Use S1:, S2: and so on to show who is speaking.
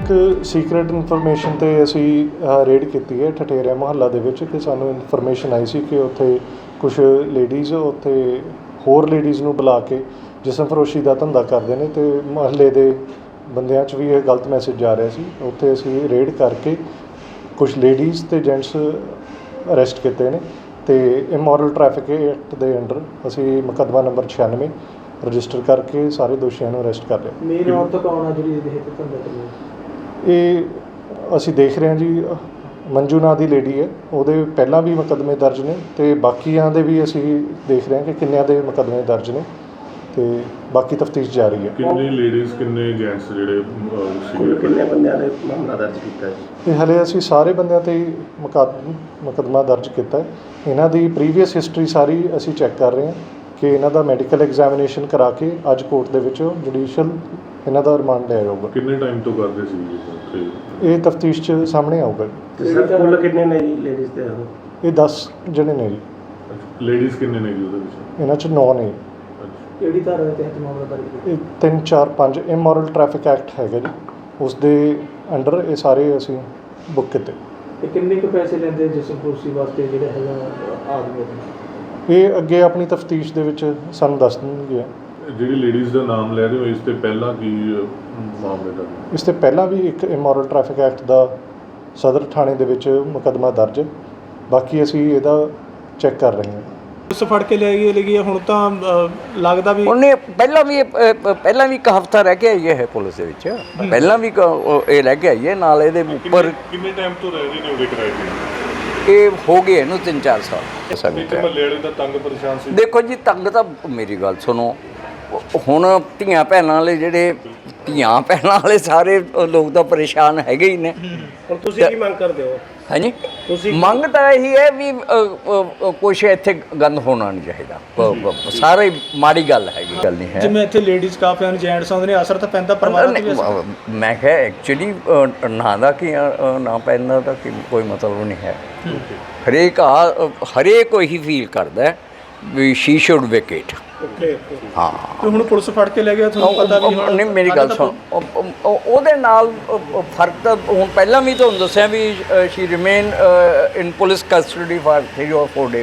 S1: एक secret information ते असी रेड की है ठठेरिया मुहल्ला दे विच कि सानू इन्फॉर्मेशन आई सी कि उत्थे कुछ लेडीज़ उत्थे होर लेडीज़ नूं बुला के जिसम फरोशी का धंधा करते हैं तो मुहल्ले के बंदियां च भी ये गलत मैसेज जा रहा सी। उत्थे असी रेड करके कुछ लेडीज़ ते जेंट्स अरेस्ट किए हैं तो इमोरल ट्रैफिक एक्ट के अंडर असी मुकदमा नंबर 96 रजिस्टर करके सारे दोषियों को अरेस्ट कर रहे
S2: मेन औरत कौन है जी
S1: ये असी देख रहे हैं जी मंजू नां दी लेडी है ਉਹਦੇ ਪਹਿਲਾਂ भी मुकदमे दर्ज ने तो बाकियां दे भी असी देख रहे हैं कि किन्नियां दे मुकदमे दर्ज ने तो बाकी तफ्तीश जारी है।
S3: किन्ने लेडीज़ किन्ने जेंट्स ਜਿਹੜੇ
S4: किन्ने बंदियां ने मामला दर्ज ਕੀਤਾ
S1: ਇਹ ਹਲੇ ਅਸੀਂ ਸਾਰੇ ਬੰਦਿਆਂ ਤੇ ਮੁਕੱਦਮਾ ਦਰਜ ਕੀਤਾ ਹੈ। ਇਹਨਾਂ ਦੀ ਪ੍ਰੀਵੀਅਸ ਹਿਸਟਰੀ ਸਾਰੀ ਅਸੀਂ ਚੈੱਕ ਕਰ ਰਹੇ ਹਾਂ ਕਿ ਇਹਨਾਂ ਦਾ ਮੈਡੀਕਲ ਐਗਜ਼ਾਮੀਨੇਸ਼ਨ ਕਰਾ ਕੇ ਅੱਜ ਕੋਰਟ ਦੇ ਵਿੱਚ ਜੁਡੀਸ਼ੀਅਲ ਇਹਨਾਂ ਦਾ ਰਿਮਾਂਡ ਲਿਆ ਜਾਊਗਾ।
S3: ਕਿੰਨੇ ਟਾਈਮ ਤੋਂ ਕਰਦੇ ਸੀ
S1: ਇਹ ਤਫਤੀਸ਼ 'ਚ ਸਾਹਮਣੇ ਆਊਗਾ।
S4: ਸਰ ਕੁੱਲ ਕਿੰਨੇ ਨੇ ਜੀ ਲੇਡੀਜ਼ ਤੇ
S1: ਇਹ 10 ਜਣੇ ਨੇ ਜੀ।
S3: ਲੇਡੀਜ਼ ਕਿੰਨੇ ਨੇ ਜੀ ਉਹਦੇ ਵਿੱਚ?
S1: ਇਹਨਾਂ 'ਚ 9 ਨੇ।
S2: ਕਿਹੜੀ ਧਾਰਾ ਦੇ ਤਹਿਤ ਮਾਮਲਾ ਦਰਜ ਕੀਤਾ?
S1: ਇਹ 3 4 5 ਇਮੋਰਲ ਟ੍ਰੈਫਿਕ ਐਕਟ ਹੈਗਾ ਜੀ, ਉਸ ਦੇ ਅੰਡਰ ਇਹ ਸਾਰੇ ਅਸੀਂ ਬੁੱਕ ਕੀਤੇ।
S2: ਤੇ ਕਿੰਨੇ ਕੁ ਪੈਸੇ ਲੈਂਦੇ ਜਿਸਮ ਫਰੋਸ਼ੀ ਵਾਸਤੇ ਜਿਹੜੇ ਹੈਗਾ ਆਦਮੀ?
S1: ਇਹ ਅੱਗੇ ਆਪਣੀ ਤਫਤੀਸ਼ ਦੇ ਵਿੱਚ ਸਾਨੂੰ ਦੱਸ ਦੇਣਗੇ।
S3: ਜਿਹੜੀ ਲੇਡੀਜ਼ ਦਾ ਨਾਮ ਲੈ ਰਹੇ ਹੋ ਇਸ ਤੇ ਪਹਿਲਾਂ ਕੀ ਮਾਮਲੇ ਦਾ?
S1: ਇਸ ਤੋਂ ਪਹਿਲਾਂ ਵੀ ਇੱਕ ਇਮੋਰਲ ਟ੍ਰੈਫਿਕ ਐਕਟ ਦਾ ਸਦਰ ਥਾਣੇ ਦੇ ਵਿੱਚ ਮੁਕੱਦਮਾ ਦਰਜ ਹੈ। ਬਾਕੀ ਅਸੀਂ ਇਹਦਾ ਚੈੱਕ ਕਰ ਰਹੇ ਹਾਂ।
S2: ਉਸ ਫੜ ਕੇ ਲੈ ਗਈ ਹੁਣ ਤਾਂ ਲੱਗਦਾ ਵੀ
S5: ਉਹਨੇ ਪਹਿਲਾਂ ਵੀ ਇੱਕ ਹਫ਼ਤਾ ਰਹਿ ਕੇ ਆਈ ਹੈ ਪੁਲਿਸ ਦੇ ਵਿੱਚ। ਪਹਿਲਾਂ ਵੀ ਇਹ ਰਹਿ ਕੇ ਆਈ ਹੈ ਨਾਲ ਇਹਦੇ ਉੱਪਰ।
S3: ਕਿੰਨੇ ਟਾਈਮ ਤੋਂ ਰਹਿ ਰਹੇ ਨੇ ਉਹਦੇ ਕਿਰਾਏ ਤੇ?
S5: ਇਹ ਹੋ ਗਏ ਇਹਨੂੰ 3-4 ਸਾਲ।
S3: ਸਾਡੇ ਮਹੱਲੇ ਵਾਲੇ ਤਾਂ ਤੰਗ ਪਰੇਸ਼ਾਨ ਸੀ।
S5: ਦੇਖੋ ਜੀ ਤੰਗ ਤਾਂ ਮੇਰੀ ਗੱਲ ਸੁਣੋ, ਹੁਣ ਧੀਆਂ ਭੈਣਾਂ ਵਾਲੇ ਜਿਹੜੇ ਧੀਆਂ ਭੈਣਾਂ ਵਾਲੇ ਸਾਰੇ ਲੋਕ ਤਾਂ ਪਰੇਸ਼ਾਨ ਹੈਗੇ ਹੀ ਨੇ।
S4: ਹੁਣ ਤੁਸੀਂ ਕੀ ਮੰਗ ਕਰਦੇ ਹੋ?
S5: ਹਾਂਜੀ ਮੰਗ ਤਾਂ ਇਹੀ ਹੈ ਵੀ ਕੁਛ ਇੱਥੇ ਗੰਦ ਹੋਣਾ ਨਹੀਂ ਚਾਹੀਦਾ। ਸਾਰੇ ਮਾੜੀ ਗੱਲ ਹੈਗੀ, ਗੱਲ ਨਹੀਂ ਹੈ।
S2: ਜਿਵੇਂ ਇੱਥੇ ਲੇਡੀਜ਼ ਕਾਫੀ ਹਨ, ਜੈਂਟਸ ਆਉਂਦੇ ਨੇ, ਅਸਰ ਤਾਂ ਪੈਂਦਾ ਪਰਿਵਾਰਾਂ ਤੇ ਵੀ ਅਸਰ।
S5: ਮੈਂ ਕਿਹਾ ਐਕਚੁਅਲੀ ਨਾ ਦਾ ਕਿ ਨਾ ਪੈਂਦਾ ਦਾ ਕਿ ਕੋਈ ਮਤਲਬ ਨਹੀਂ ਹੈ। ਹਰੇਕ ਉਹੀ ਫੀਲ ਕਰਦਾ ਵੀ ਸ਼ੀ ਸ਼ੁੱਡ ਵੇਕੇਟ। ਹਾਂ
S2: ਤੇ ਹੁਣ ਪੁਲਿਸ ਫੜ ਕੇ ਲੈ ਗਿਆ, ਤੁਹਾਨੂੰ ਪਤਾ ਵੀ ਹੁਣ
S5: ਨਹੀਂ ਮੇਰੀ ਗੱਲ ਸੁਣ, ਉਹਦੇ ਨਾਲ ਫਰਕ ਤਾਂ ਹੁਣ ਪਹਿਲਾਂ ਵੀ ਤੁਹਾਨੂੰ ਦੱਸਿਆ ਵੀ she remain in police custody for 3 or 4 days।